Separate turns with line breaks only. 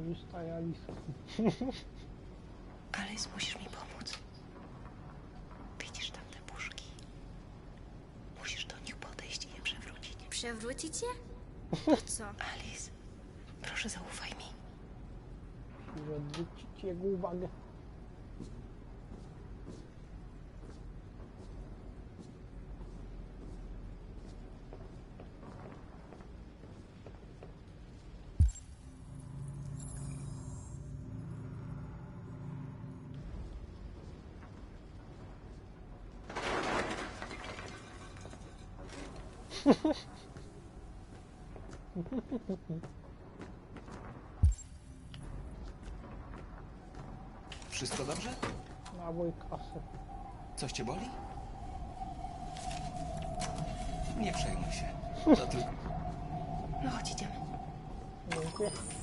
Korzystaj, Alice.
Alice, musisz mi pomóc. Widzisz tam te puszki? Musisz do nich podejść i je przewrócić.
Przewrócić je? Po co?
Alice, proszę zaufaj mi.
Musisz odwrócić jego uwagę.
Wszystko dobrze?
Dawaj kasę.
Coś cię boli? Nie przejmuj się. To tylko...
No chodź, idziemy.
Dziękuję.